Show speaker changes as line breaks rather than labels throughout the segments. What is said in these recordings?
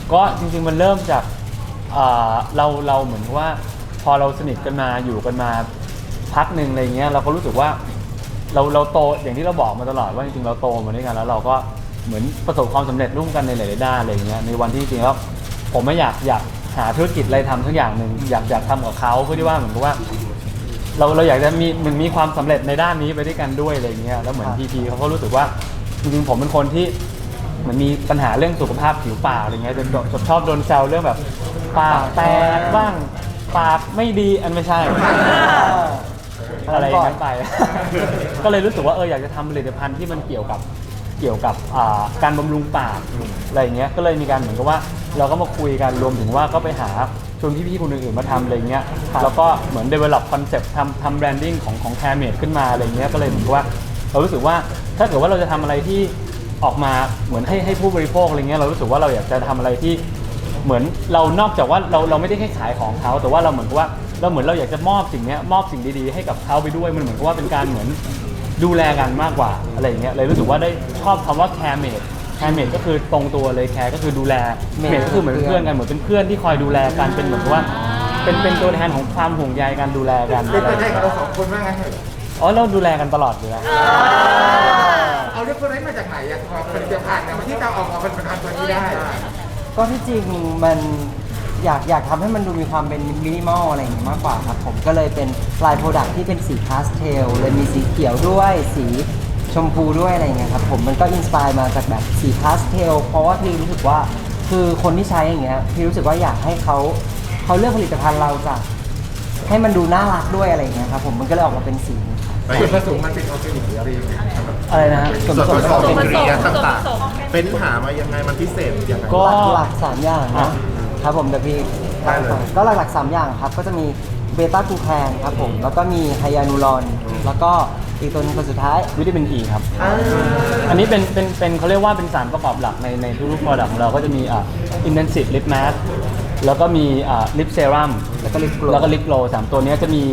ก็จริงๆมันเริ่มจากเราเหมือนว่าพอเราสนิทกันมาอยู่กันมาพักหนึ่งอะไรเงี้ยเราก็รู้สึกว่าเราโตอย่างที่เราบอกมาตลอดว่าจริงๆเราโตมาด้วยกันแล้วเราก็เหมือนประสบความสำเร็จร่วมกันในหลายๆด้านอะไรเงี้ยในวันที่จริงๆแล้วผมไม่อยากหาธุรกิจอะไรทำสักอย่างหนึ่งอยากทำกับเขาเพื่อที่ว่าเหมือนกับว่าเราอยากจะมีความสำเร็จในด้านนี้ไปด้วยกันด้วยอะไรเงี้ยแล้วเหมือนพีเขาก็รู้สึกว่าจริงๆผมเป็นคนที่เหมือนมีปัญหาเรื่องสุขภาพผิวปากอะไรเงี้ยจนชอบโดนแซวเรื่องแบบปากแตกบ้างปากไม่ดีอันไม่ใช่อะไรอย่างนั้นไป ก็เลยรู้สึกว่าอยากจะทำผลิตภัณฑ์ที่มันเกี่ยวกับการบำรุงปากอะไรอย่างเงี้ยก็เลยมีการเหมือนกับว่าเราก็มาคุยกันรวมถึงว่าก็ไปหาชวนพี่ๆคนอื่นๆมาทำอะไรเงี้ยแล้วก็เหมือน develop concept ทำ branding ของ Caremed ขึ้นมาอะไรเงี้ยก็เลยเหมือนกับว่าเรารู้สึกว่าถ้าเกิดว่าเราจะทำอะไรที่ออกมาเหมือนให้ผู้บริโภคอะไรเงี้ยเรารู้สึกว่าเราอยากจะทำอะไรที่เหมือนเรานอกจากว่าเราไม่ได้แค่ขายของเขาแต่ว่าเราเหมือนกับว่าเราอยากจะมอบสิ่งนี้มอบสิ่งดีๆให้กับเขาไปด้วยมันเหมือนกับว่าเป็นการเหมือนดูแลกันมากกว่าอะไรอย่างเงี้ยเลยรู้สึกว่าได้ชอบคำว่า Caremed ก็คือตรงตัวเลย Care ก็คือดูแลเมดก็คือเหมือนเพื่อนกันเหมือนเป็นเพื่อนที่คอยดูแลกันเป็นเหมือนกับว่าเป็นตัวแทนของความห่วงใยกันดูแลกัน
เป็นตัวแทนของเราสองคนว่าไง
เราดูแลกันตลอดอยู่แล้ว
เอาเรื่องคนนี้มาจากไหนอะพอผลิตภัณฑ์เนี่ยที่เราออกมาเป็นผลิตภัณฑ์ตัวนี้ได้
ก็ที่จริงมันอยากทำให้มันดูมีความเป็นมินิมอลอะไรอย่างนี้มากกว่าครับผมก็เลยเป็นลายโปรดักที่เป็นสีพาสเทลเลยมีสีเขียวด้วยสีชมพูด้วยอะไรอย่างเงี้ยครับผมมันก็อินสปายมาจากแบบสีพาสเทลเพราะว่าพี่รู้สึกว่าคือคนที่ใช้อย่างเงี้ยพี่รู้สึกว่าอยากให้เขาเลือกผลิตภัณฑ์เราจากให้มันดูน่ารักด้วยอะไรอย่างเงี้ยครับผมมันก็เลยออกมาเป็นสี
ส่วนผสมมันเป็นออร์แกนิกหรือ
อะไรนะ
ส่วนผสมอินกรีเดียนต่างๆเป็นหามายังไงมันพิเศษยังไง
ก็
หลัก3อย่างนะครับผมเดี๋ยวพี่ก็หลักๆ3อย่างครับก็จะมีเบต้ากูแคนครับผมแล้วก็มีไฮยานูรอนแล้วก็อีกตัวนึงตัวสุดท้าย
วิตามิน E ครับอันนี้เป็นเขาเรียกว่าเป็นสารประกอบหลักในทุกๆ product ของเราก็จะมีintensive lip mask แล้วก็มีlip serum
แล้วก็ลิป
โกล3ตัวนี้จะมี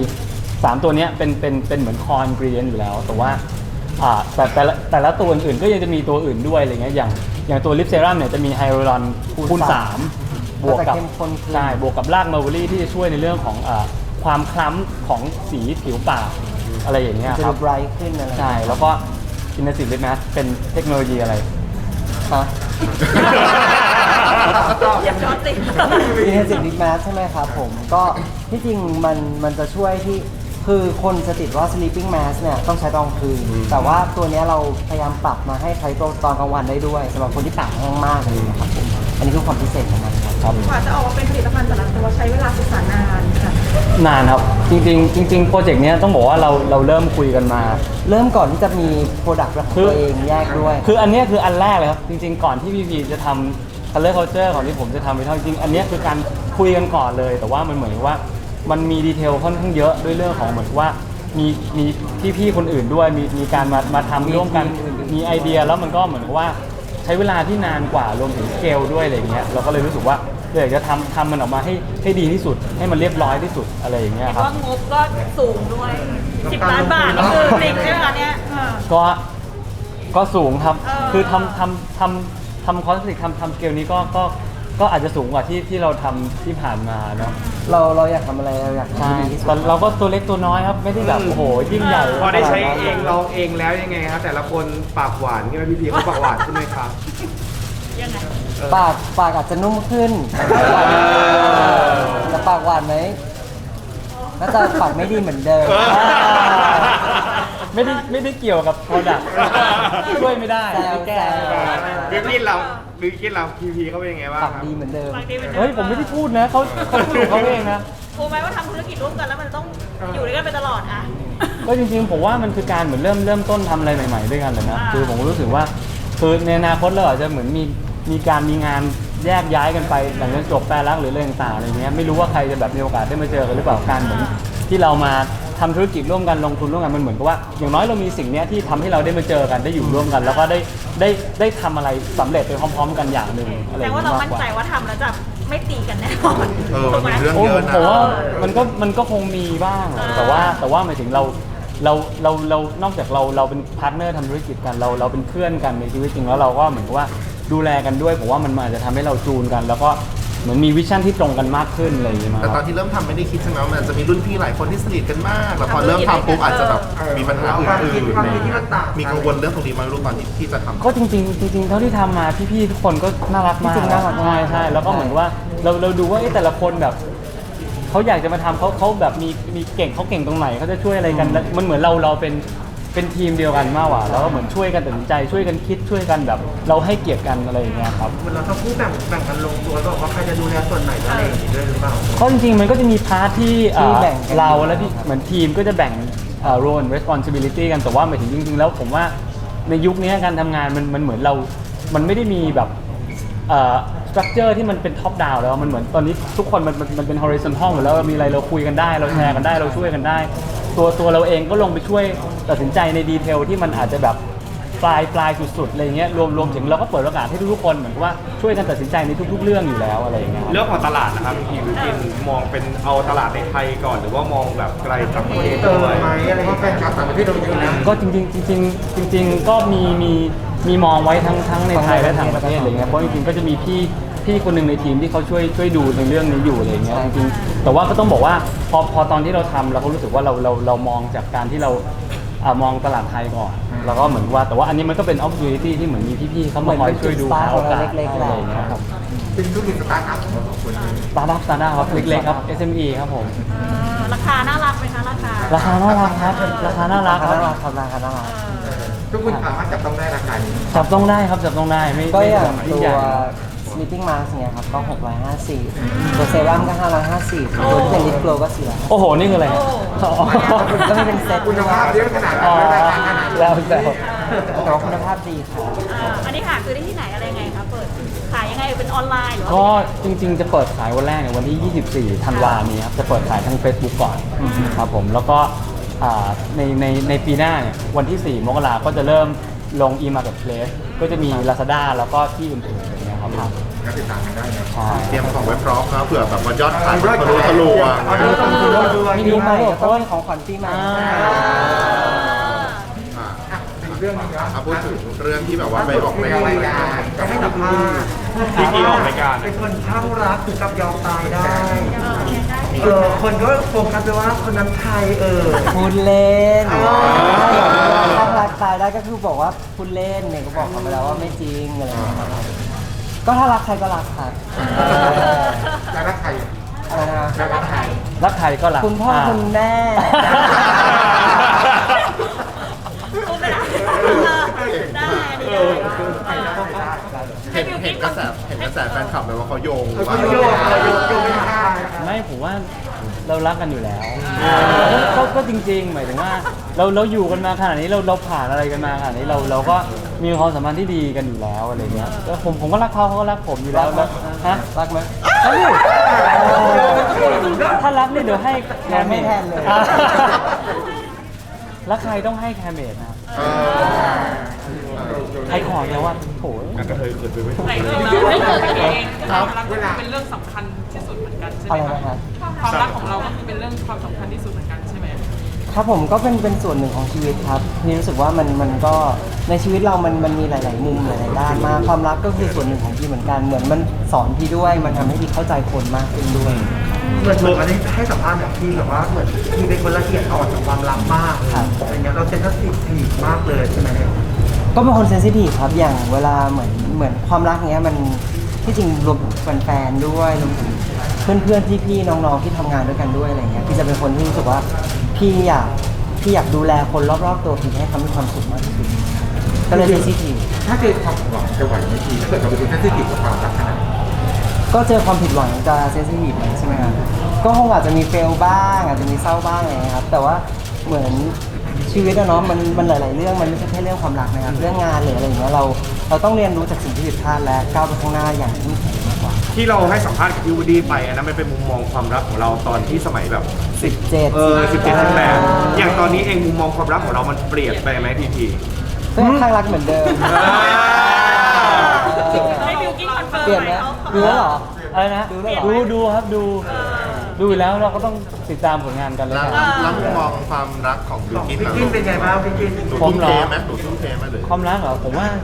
3ตัวนี้เป็นเหมือน core ingredient อยู่แล้วแต่ว่าแต่ละตัวอื่นๆก็ยังจะมีตัวอื่นด้วยอะไรเงี้ยอย่างตัว lip serum เนี่ยจะมีไฮ a ลูรอนคูณ3บวกกับรากมัลเบอรี่ที่จะช่วยในเรื่องของความคล้ำของสีผิวปากอะไรอย่างเงี้ยครับ
จะไบรท์ขึ้นอะไร
ใช่แล้วก็intensive lip mask เป็นเทคโนโลยีอะไร
ฮะ
อย่าช็อตสิ
intensive lip mask ใช่ไหมครับผมก็ที่จริงมันจะช่วยที่คือคนจะติดว่า sleeping mask เนี่ยต้องใช้ตอนกลางคืนแต่ว่าตัวนี้เราพยายามปรับมาให้ใช้ตอนกลางวันได้ด้วยสำหรับคนที่ปากแห้งมากเลยนะครับผมอันนี้คือความพิเศษของมันครับ
กว่าจะออกมาเป็นผลิตภัณฑ์แต่ละตัวใช้เวลาศึกษานานค่ะ
นานครับจริงโปรเจกต์นี้ต้องบอกว่าเราเริ่มคุยกันมา
เริ่มก่อนที่จะมีโปรดักต์ของตัวเองแยกด้วย
คืออันนี้คืออันแรกเลยครับจริงๆก่อนที่พีจะทำ Color Culture ก่อนที่ผมจะทำไปเท่าจริงอันนี้คือการคุยกันก่อนเลยแต่ว่ามันเหมือนว่ามันมีดีเทลค่อนข้างเยอะด้วยเรื่องของเหมือนว่ามีพี่ๆคนอื่นด้วยมีการมาทำร่วมกันมีไอเดียแล้วมันก็เหมือนว่าใช้เวลาที่นานกว่ารวมถึงสเกลด้วยอะไรเงี้ยเราก็เลยรู้สึกว่าอยากจะทำมันออกมาให้ดีที่สุดให้มันเรียบร้อยที่สุดอะไรอย่างเงี้ยครับ
ว่างบก็สูงด้วย10 ล้านบาทนี่คือจริงใช่ไหมคะเนี่ย
ก็สูงครับคือทำคอสติกทำสเกลนี้ก็อาจจะสูงกว่าที่เราทำที่ผ่านมาเนาะ
เราอยากทำอะไรเราอยากทำดีที่สุด
แต่เราก็ตัวเล็กตัวน้อยครับไม่ได้แบบโอ้โหยิ่งใหญ่
พอได้ใช้เองลองเองแล้วยังไงครับแต่ละคนปากหวานใช่ไหมพี่เขาปากหวานใช่ไหมครับ
ยังไง
ปากอาจจะนุ่มขึ้นแต่ปากหวานไหมน่าจะปากไม่ดีเหมือนเดิม
ไม่ได้เกี่ยวกับ product ช่วยไม่ได้
แก้
บิวกิ้นเราพีเขาเป็นยังไงบ้าง
ปากดีเหมือนเดิม
เฮ้ยผมไม่ได้พูดนะเขาพูดของเขาเองนะ
กลัวไหมว่าทำธุรกิจร่วมกันแล้วมันต้องอยู่ด้วยกันไปตลอดอ่ะ
ก็จริงๆผมว่ามันคือการเหมือนเริ่มต้นทำอะไรใหม่ๆด้วยกันเลยนะคือผมรู้สึกว่าคือในอนาคตเราอาจจะเหมือนมีงานแยกย้ายกันไปหลังจากจบแฟนรักหรืออะไรต่างๆอะไรเงี้ยไม่รู้ว่าใครจะแบบมีโอกาสได้มาเจอกันหรือเปล่าการเหมือนที่เรามาทำธุรกิจร่วมกันลงทุนร่วมกันมันเหมือนกับว่าอย่างน้อยเรามีสิ่งนี้ที่ทำให้เราได้มาเจอกันได้อยู่ร่วมกัน แล้วก็ได้ทำอะไรสำเร็จไปพร้อมๆกันอย่างหนึ่งอะไร
แต่ว่าเรามั่นใจว่าทำแล้วจะไม่ตีกันแน่นอน
ถูกไหม
โอ้ผมว่ามันก็คงมีบ้างแต่ว่าหมายถึงเรานอกจากเราเป็นพาร์ทเนอร์ทำธุรกิจกันเราเป็นเพื่อนกันในชีวิตจริงแล้วเราก็เหมือนกับว่าดูแลกันด้วยผมว่ามันอาจจะทำให้เราจูนกัน แล้วก็เหมือนมีวิชั่นที่ตรงกันมากขึ้นอะไรอย่างเงี้ยมั้ง
แต่ตอนที่เริ่มทำไม่ได้คิดใช่ไหมว่ามันจะมีรุ่นพี่หลายคนที่สนิทกันมากแล้วพอเริ่มทำปุ๊บอาจจะแบบมีปัญหาอื่นๆมีกังวลเรื่องตรงนี้ไหมลูกตอนที่จะทำ
ก็จริงๆเท่าที่ทำมาพี่ๆทุกคนก็น่ารักมาก
จริงๆน่ารักมาก
ใช่แล้วก็เหมือนว่าเราดูว่าแต่ละคนแบบเขาอยากจะมาทำเขาแบบมีเก่งเขาเก่งตรงไหนเขาจะช่วยอะไรกันแล้วมันเหมือนเราเป็นทีมเดียวกันมากกว่าแล้วก็เหมือนช่วยกันตัดสินใจช่วยกันคิดช่วยกันแบบเราให้เกียรติกันอะไรอย่างเงี้ยครับ
เหมือนเราทั้งคู่แบ่งกันลงตัวบอกว่าใครจะดูแลส่วนไหนอะไรอย่างนี้ด้วยหรือเปล่า
เพราะจริงๆมันก็จะมีพาร์ทที่
ที่แบ่งกัน
เราและที่เหมือนทีมก็จะแบ่งrole and responsibility กันแต่ว่าหมายถึงจริงๆแล้วผมว่าในยุคนี้การทำงานมันเหมือนเรามันไม่ได้มีแบบstructure ที่มันเป็น top down แล้วมันเหมือนตอนนี้ทุกคนมันเป็น horizontal หมดแล้วมีอะไรเราคุยกันได้เราแชร์กันได้เราช่วยกันได้ ตัวเราเองก็ลงไปช่วยตัดสินใจในดีเทลที่มันอาจจะแบบปลายสุดๆอะไรเงี้ยรวมถึงเราก็เปิดโอกาสให้ทุกๆคนเหมือนกับว่าช่วยกันตัดสินใจในทุกๆเรื่องอยู่แล้วอะไรอย่างเงี้ยครับ
เรื่องของตลาดนะครับพี่วิกินมองเป็นเอาตลาดในไทยก่อนหรือว่ามองแบบไกลต่างประเทศ
เติม
ด้วย
ไหมอะไร
เพราะแฟนคลับต่างประเทศเราเยอะนะ
ก็จริงๆก็มีมองไว้ทั้งในไทยและต่างประเทศอะไรเงี้ยเพราะจริงๆก็จะมีพี่คนหนึ่งในทีมที่เขาช่วยดูในเรื่องนี้อยู่อะไรเงี้ยจริงๆแต่ว่าก็ต้องบอกว่าพอตอนที่เราทำเราก็รู้สึกว่าเรามองจากการที่เรามองตลาดไทยก่อนแล้วก็เหมือนว่าแต่ว่าอันนี้มันก็เป็น opportunity ที่เหมือนมีพี่ๆเขามาคอยช่วยดู
เหมือนเป็นจุด
โอกาส
เล็กๆ
อะไรอย่างเงี้ยครับ
เป็นธุรกิจสตาร์ทอัพของเราสองคน
สตาร์ทอัพครับเล็กๆครับ SME ครับผม
ราคาน่ารักไหมคะราคา
ราคาน่ารักครับราคาน่ารักค
น่า
รับ
รักครับน่ารัก
ทุกคนสามารถจับต้องได้ราคานี้
จับต้องได้ครับจับต้องได้ไม่
ก็
ไม่
อย่าง
ไม่
ตัว
ใหญ่
sleeping mask เนี่ยครับก็650ตัวเซรั่มก็550ตัวที่เป็นลิปโกลก็400
โอ้โหนี่คืออะไรฮะอ๋อ
ก็ไม่เป็นเซ็ต
คุณภาพเยอะขนาด
อ๋
นั้
อน
ราคาขนาด
แล้ว
นี้
แต่
แต่ว่าคุณภาพดีครับ
อันนี้หาซื้อได้ที่ไหนอะไรยังไงคะเปิดขายยังไงเป็นออนไลน์หรือว่า
ก็จริงๆจะเปิดขายวันแรกเนี่ยวันที่ 24 ธันวาคมนี้ครับจะเปิดขายทาง Facebook ก่อนครับผมแล้วก็ในปีหน้าเนี่ยวันที่ 4 มกราคมก็จะเริ่มลง e-marketplace ก็จะมี Lazada แล้วก็ที่อื่นๆอย่างเงี้ยครับ
ก็ติดตามกันได้นะ
ใช่
เตรียมของไว้พร้อมนะเผื่อแบบว่ายอดขายมันทะลุ
เอาเรื่องต้องดูด้วย
ปีใหม่ก็ต้องมีของขวัญปีใหม่
อ่ะ
อีกเรื่องนึงนะ
พูดถึงเรื่องที่แบบว่าไปออก
ไป
ราย
ออกราย
การ
การ
จะให้สัมภาษณ์
ที่ออกรายการ
เป็นคนข้างรักถึงกับยอมตายได้คนก็โฟกัสไปว่าคนนั้นใคร
พูดเล่น
อ๋อ
ถ้ารักตายได้ก็คือบอกว่าพูดเล่นเนี่ยก็บอกเขาไปแล้วว่าไม่จริงอะไรอย่างเงี้ยครับก็ถ้ารักใครก็รักครับ
แล้วรักใคร
อะไรนะ
แล้วรักใคร
รักใครก็รัก
คุณพ่อคุณแม่
พูดไม่ได้ได้อันนี้ได้
เห็นกระแสแฟนคลับเลยว่าเขาโยง
เขาโยงไม่ได้
ไม่ผมว่าเรารักกันอยู่แล้วก็จริงๆหมายถึงว่าเราอยู่กันมาขนาดนี้เราผ่านอะไรกันมาขนาดนี้เราก็มีความสัมพันธ์ที่ดีกันอยู่แล้วอะไรเงี้ยแล้วผมก็รักเขาก็รักผมอยู่แล้วแล้วฮะ
รักไหม
เฮ้ยถ้ารักนี่เดี๋ยวให้แคมเม
ไม่
ด
แทนเลย
รักใครต้องให้แคมเมดนะครับใครขอแล้วว่าโห
กระเทยเกิดไปไม่ถูก
แต่
เลย
จริงๆเราไม่เกิดกันเอง
ครับ
ความรักเป็นเรื่องสำคัญที่สุดเหมือนกันใช่ไห
อะ
ม
ไร
คะ
นะครับ
ความรักของเราก็คือเป็นเรื่องความสำคัญที่สุดเหมือนกันใช่ไหม
ครับผมก็เป็นส่วนหนึ่งของชีวิตครับนี่รู้สึกว่ามันก็ในชีวิตเรามันมีหลาย ๆ มุมหลาย ๆ ด้านมากความรักก็คือส่วนหนึ่งของพี่เหมือนกันเหมือนมันสอนพี่ด้วยมันทำให้พี่เข้าใจคนมากขึ้นด้วย
เหมือนอันนี้ให้สัมภาษณ์แบบพี่แบบว่าเหมือนพี่เป็นคนละเอียดอ่อนกับความรักมากอะไรเงี้ยเราเซนซิทีฟมากเลยใช่ไหม
ก็เป็นคนเซนซิทีฟครับอย่างเวลาเหมือนความรักเนี้ยมันที่จริงรวมถึงแฟนๆด้วยรวมถึงเพื่อนๆพี่ๆน้องๆที่ทำงานด้วยกันด้วยอะไรเงี้ยพี่จะเป็นคนที่รู้สึกว่าพี่อยากดูแลคนรอบๆตัวพี่ให้เขามีความสุขมากที่สุดก็เลยเซนซิทีฟ
ถ้าเจอความหวังจะไหวไหมพี่ถ้าเกิดเราเป็นคนที่ติดกับความรักขนาดนี้
ก็เจอความผิดหวังจะเซนซิทีฟใช่ไหมครับก็คงอาจจะมีเฟลบ้างอาจจะมีเศร้าบ้างอะไรอย่างเงี้ยครับแต่ว่าเหมือนชีวิตอะเนาะมันหลายๆเรื่องมันไม่ใช่แค่เรื่องความรักนะครับเรื่องงานหรืออะไรอย่างเงี้ยเราต้องเรียนรู้จากสิ่งที่ผิดพลาดและก้าวไปข้างหน้าอย่างเข้มแข็งมากกว่า
ที่เราให้สัมภาษณ์กับพี่วูดดี้ไปอันนั้นมันเป็นมุมมองความรักของเราตอนที่สมัยแบบ
17
17อย่างตอนนี้เองมุมมองความรักของเรามันเปลี่ยนไปไหมพีพี
ก็ยังข้างรักเหมือนเดิม
ให้บิวกิ้งคอนเฟิร์ม
เปลี่ยนไหมดูแล้วเหรอ
อะไรนะ
ดูแล้วเหรอ
ดูครับดูอยู่แล้วเราก็ต้องติดตามผลงานกันเลย
แล้ว
กัน
แล้วมุมมองความรักของบิว
ของ
กิน
พี่กินเป็นไงบ้างพี่กิน
หนูทุ่มเทไหมหรือ
ความรักเหรอผมว่า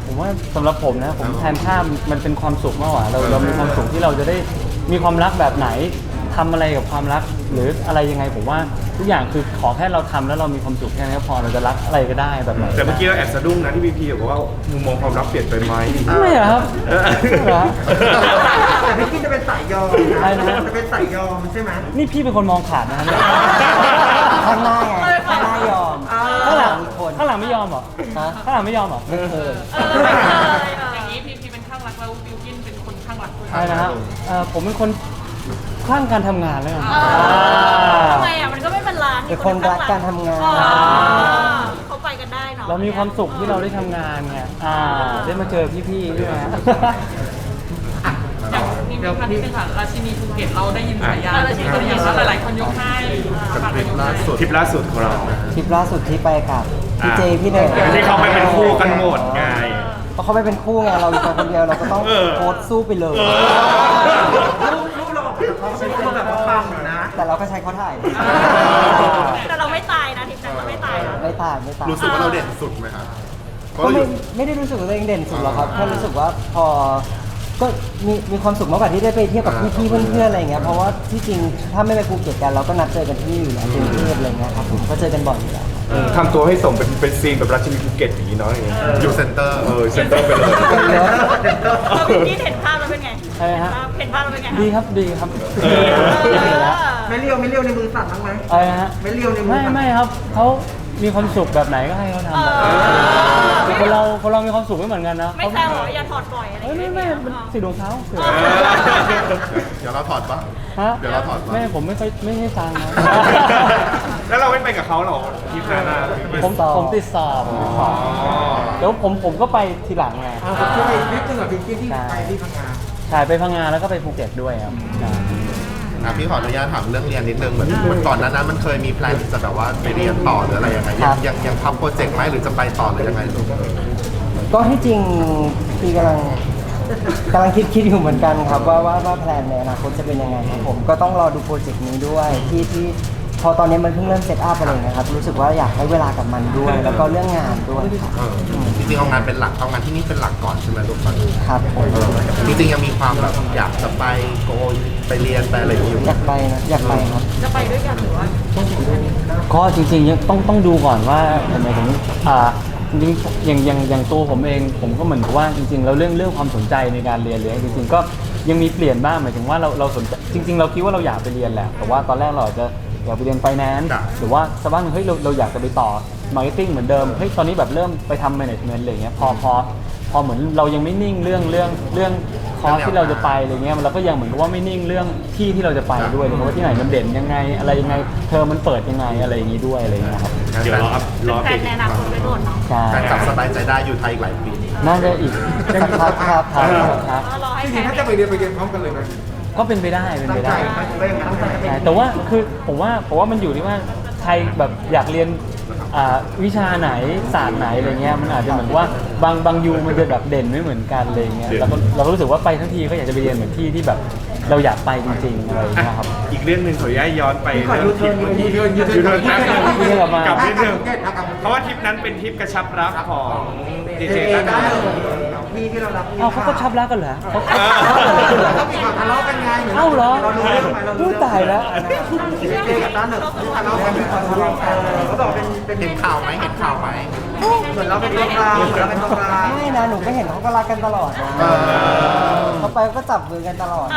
ผมว่าสำหรับผมนะผมแทนค่ามันเป็นความสุขมากกว่าเรามีความสุขที่เราจะได้มีความรักแบบไหนทำอะไรกับความรักหรืออะไรยังไงผมว่าทุกอย่างคือขอแค่เราทำแล้วเรามีความสุขแค่นั้นก็พอเราจะรักอะไรก็ได้แบบไหน
แต่เมื่อกี้เราแอบสะดุ้งนะที่พีพีบอกว่ามุมมองความรักเปลี่ยนไปไหม
ไม่เหรอครับไม่เหรอ
แต่พี่กินจะเป็นสายยอม
ใช่นะ
จะเป็นสายยอมใช่ไหม
นี่พี่เป็นคนมองขาดนะเนี่ย
ข้างหน้าไงข้างหน้ายอม
ข้างหลัง
มีคน
ข้างหลังไม่ยอมเหรอ
ฮะ
ข้างหลังไม่ยอมเหรอ
ไม่เคย
อย่างนี้พีเป็นข้างรักแล้วบิวกินเป็นคนข้างรักด้วย
ใช่นะฮะผมเป็นคนคลั่งการทำงานแล้วกัน
ทำไมอ่ะมันก็ไม่เป็นร้าน
เป็นคนรักการทำงาน
เขาไปกันได้เนาะ
เรามีความสุขที่เราได้ทำงานไงได้มาเจอพี่ๆด้วยนะ
อย่างนี่มีพันนิดนึงค่ะราชินีภูเก็ตเราได้ยินฉายาราชินีอย่างว่าหลายๆคนยกให้
กับทริปล่าสุด
ทริปล่าสุดของเรา
ทริปล่าสุดที่ไปกับพี่เจพี่เนย
ที่เขาไปเป็นคู่กันหมดไง
เพราะเขาไม่เป็นคู่ไงเราอยู่คนเดียวเราก็ต้องโพสต์สู้ไปเลย
ลูกเราออกจากเขาเป็นคนแบบว่าปังอยู่นะ
แต่เราก็ใช้เขาถ่าย
แต่เราไม่ตายนะทีมนั้นเราไม่ตายนะ
ไม่ตายไม่ตาย
รู้สึกว่าเราเด่นสุดไหมครับเพราะ
ก็
เราอ
ไม่
ยู่
ได้รู้สึกว่าตัวเองเด่นสุดหรอกครับแค่รู้สึกว่าพอก็มีความสุขมากกว่าที่ได้ไปเที่ยวกับพี่ๆเพื่อนๆอะไรอย่างเงี้ยเพราะว่าที่จริงถ้าไม่ไปภูเก็ตกันเราก็นัดเจอกันที่นี่อยู่แล้วกรุงเทพอะไรเงี้ยครับผมก็เจอกันบ่อยอยู่แล้ว
ทำตัวให้สมเป็นซีนแบบราชินีภูเก็ตอย่างนี้เนาะอย่างเงี้ย
อยู่เซ็นเตอร์
เซ็นเตอร์ไปเลย
เราบิวกินเห็นภาพแล้วเป็นไง
ใช่ฮะ
เห็นภาพแล้วเป็นไง
ดีครับดีครับ
ดีแล้ว
ไม่เลี้ยวในมือสั่นบ้างไหม
อะไรนะฮะ
ไม่เลี้ยวในมือ
ไม่ครับเขามีความสุขแบบไหนก็ให้เขาทำแบบนั้นคนเรามีความสุขไม่เหมือนกันนะ
ไม่แซวเหรออย่าถอดบ่อยอะไรอย่างเงี้ย
ไม่มันสีดวงเขาเสือ
เดี๋ยวเราถอดปะ
ฮะ
เดี๋ยวเราถอดปะ
ไม่ผมไม่ค่อยไม่ให้ฟังนะ
แล้วเราไม่ไปกับเขาหรอทริปนั้นอะ
ผมติดสอบเดี๋ยวผมก็ไปทีหลังไง
ผมช่วยนิดนึงกับบิวกินที่ไปที่พังงา
ถ่ายไปพังงาแล้วก็ไปภูเก็ตด้วยครับ
พี่ขออนุญาตถามเรื่องเรียนนิดนึงเหมือนก่อนหนั้นมันเคยมีแพลนจะแบบว่าไปเรียนต่อหรืออะไรยังไงยังทำโปรเจกต์ไหมหรือจะไปต่อหรือยังไงลูก
ก็ที่จริงพี่กำลังคิดอยู่เหมือนกันครับว่าแพลนในอนาคตจะเป็นยังไงครับผมก็ต้องรอดูโปรเจกต์นี้ด้วยที่พอตอนนี้มันเพิ่งเริ่มเซตอัพอะไรนะครับรู้สึกว่าอยากให้เวลากับมันด้วย แล้วก็เรื่องงานด้วยครับ
จริงๆเอางานเป็นหลักเอางานที่นี่เป็นหลักก่อนใช่ไหมลูกตอนนี้
ครับผม
จริงๆยังมีความแบบอยากจะไปโกยไปเรียนไปอะไรอย่างเงี้ยอยู่
อยากไปครับ
จะไปด้วยกันหรือว่า
ก็จริงๆยังต้องดูก่อนว่าทำไมถึงจริงๆอย่างตัวผมเองผมก็เหมือนกับว่าจริงๆแล้วเรื่องความสนใจในการเรียนเลยจริงๆก็ยังมีเปลี่ยนบ้างหมายถึงว่าเราสนใจจริงๆเราคิดว่าเราอยากไปเรียนแหละแต่ว่าตอนแรกเราอาจจะอยากไปเรียนไฟแนนซ์หรือว่าสักวันหนึ่งเฮ้ยเราอยากจะไปต่อมาร์เก็ตติ้งเหมือนเดิมเฮ้ยตอนนี้แบบเริ่มไปทำแมネจเมนต์อะไรเงี้ยพอเหมือนเรายังไม่นิ่งเรื่องคอร์สที่เราจะไปอะไรเงี้ยเราก็ยังเหมือนกับว่าไม่นิ่งเรื่องที่เราจะไปด้วยเลยว่าที่ไหนมันเด่นยังไงอะไรยังไงเทอมมันเปิดยังไงอะไรอย่างงี้ด้วยอะไรเงี้ยครับ
เดี๋ยวรอ
แฟนในอนาคตไปโดนเนาะ
ใช่
การจับสบายใจได้อยู่ไทยอีกหลายปี
น่าจะอีกสักพักครับ
รอให้
จ
แฟ
ริง
น
ๆถ้าจะไปเรียนพร้อมกันเลยไหม
ก็เป็นไปได้เป็นไปได้
ไปอย่างนั้นไป
ใช่แต่ว่าคือผมว่ามันอยู่ที่ว่าใครแบบอยากเรียนวิชาไหนศาสตร์ไหนอะไรเงี้ยมันอาจจะเหมือนว่าบางยูมันจะแบบเด่นไม่เหมือนกันอะไรเงี้ยเราก็รู้สึกว่าไปทั้งทีก็อยากจะไปเรียนเหมือนที่แบบเราอยากไปจริงๆอะไรเงี้ยครับ
อีกเรื่องหนึ่งขออนุญาตย้อนไปเรื่องทริปเมื่อกี้
ยูเทิร์น
แป๊บนึง
ยูเทิร์นกลับมา
กลับนิดนึง
ครับ
เพราะว่าทริปนั้นเป็นทริปกระชับรักของเจเจตั้ง
ได้
แต่
พี่ที่เรารัก
เอ้าเขาก็ชับรักกันเหรอเขา
เขามีข่าวทะเลาะกันไง
เอ้าเหรอ
เรารู้เรื่องไหมเรารู้
พูดตายแล้ว
เจกับต้าเหนิบทะเลาะกันทะเลาะกันเขาบอกเป็น
เห็นข่าวไหมเห็นข่าวไหม
เหมือนเราเป็นตัวกลางเหมือนเราเป็นตัวกลาง
ไม่นะหนูก็เห็นเขาก็รักกันตลอดนะเขาไปก็จับมือกันตลอด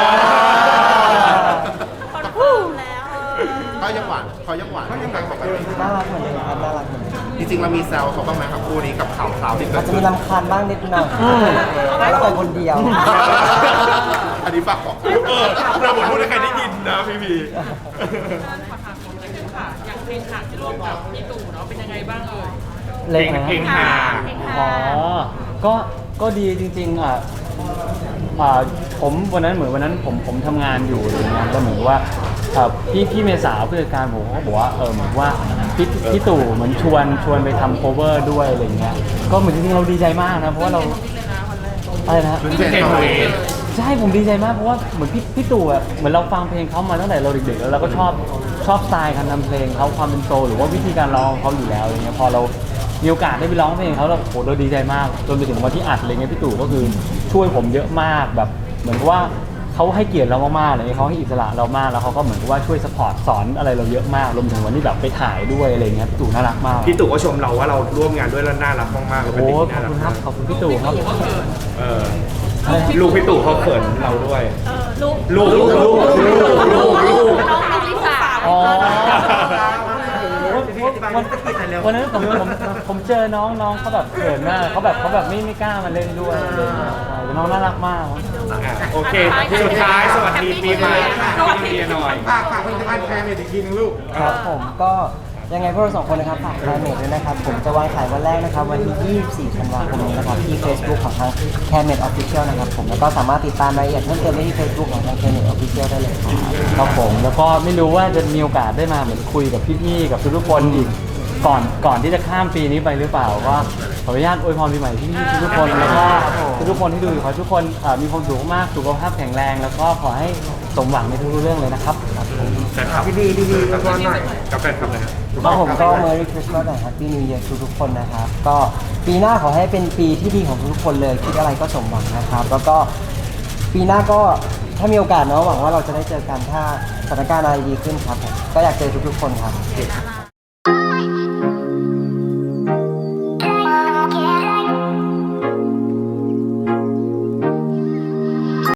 คอนเฟิร์มแล้ว
เขายังหวานปกติ
น่ารักเหมือนเดิมครับน่ารักเหมือนเดิม
จริงๆเรามีแซวเขาบ้างไหมครับคู่นี้กับข่าวที่เกิ
อา
ด
จจะ
ขึ้
มี
น
รำคาญบ้างนิดหน่อยเราไปคนเดียว
อันนี้ฝากบอก
เราบอกพูดให้ใครได้ยินนะพี่พี
ขอถามผมนิดนึงค่ะ อย่างเพลงขาดที่ร่วมกับพี่ตู่เนาะเป็นยังไงบ้างเอ่ย
เล่นนะ
เพลงหา
อ๋อ ก็ดีจริงๆผมวันนั้นผมทำงานอยู่อะไรเงี้ยแล้วเหมือนว่าพี่เมษาผู้จัดการผมเขาบอกว่าเหมือนว่าพี่ตู่เหมือนชวนไปทำ cover ด้วยอะไรเงี้ยก็เหมือนจริงๆเราดีใจมากนะเพราะว่าเราอะไรนะ
ขึ้นเพลงตัวเอง
ใช่ผมดีใจมากเพราะว่าเหมือนพี่ตู่อ่ะเหมือนเราฟังเพลงเขามาตั้งแต่เราเด็กๆแล้วเราก็ชอบสไตล์การทำเพลงเขาความเป็นโซลหรือว่าวิธีการร้องของเขาอยู่แล้วอะไรเงี้ยพอมีโอกาสได้ไปร้องเพลงเขาแล้วโอ้โหเราดีใจมากจนไปถึงวันที่อัดอะไรเงี้ยพี่ตู่ก็คือช่วยผมเยอะมากแบบเหมือนกับว่าเขาให้เกียรติเรามากๆเลยเขาให้อิสระเรามากแล้วเขาก็เหมือนกับว่าช่วยสปอร์ตสอนอะไรเราเยอะมากรวมถึงวันที่แบบไปถ่ายด้วยอะไรเงี้ยพี่ตู่น่ารักมาก
พี่ตู่ก็ชมเราว่าเราร่วมงานด้วยแล้วน่ารักมากๆเราเป็น
โอ้
เด็กที่
ขอบ
น่ารั ก
คุณครับขอบคุณพี่ตู่ครับ
เออลูกพี่ตู่เขาเขินเราด้วย
ลูก
ลูก
น้องลิซ่า
อ๋อ
วันตะกี้ไหนเร็ว
วันนั้นผมเจอน้องเขาแบบเขินมากเขาแบบไม่กล้ามาเล่นด้วยอะไรเงี้ยใช่แต่น้องน่ารักมาก
โอเคสุดท้ายสวัสดีปีใหม่พี่เบียร์หน่อย
ฝากผลิตภัณฑ์แคร์เมดอีกทีนึงลูก
ครับผมก็ยังไงพวกเราสองคนนะครับฝากไลน์เมดด้วยนะครับ ผมจะวางขายวันแรกนะครับ วันที่ 24 ธันวาคมนี้นะครับ ที่ Facebook ของทาง c a r e m e d Official นะครับผมแล้วก็สามารถติดตามรายละเอียดเพิ่มเติมได้ที่ Facebook ของทาง c a r e m e d Official ได้เลยครับ
ครับผมแล้วก็ไม่รู้ว่าจะมีโอกาสได้มาเหมือนคุยกับพี่ๆกับทุกๆคนอีกก่อนที่จะข้ามปีนี้ไปหรือเปล่าก็ขออนุญาตอวยพรปีใหม่พี่ๆทุกๆคนแล้วก็ทุกๆคนที่ดูอยู่ขอให้ทุกคนมีความสุขมากสุขภาพแข็งแรงแล้วก็ขอให้สมหวังในทุกๆเรื่องเลยนะครับครับผม
แฟนคลับ
ดีๆตัวหน่อย
กับแฟนคลับนะครับ
ครับผมก็ Merry Christmas และ Happy New Year ทุกๆคนนะครับ ก็ปีหน้าขอให้เป็นปีที่ดีของทุกๆคนเลย คิดอะไรก็สมหวังนะครับ แล้วก็ปีหน้าก็ถ้ามีโอกาสเนาะหวังว่าเราจะได้เจอกันถ้าสถานการณ์อะไรดีขึ้นครับผมก็อยากเจอทุกๆคนครับ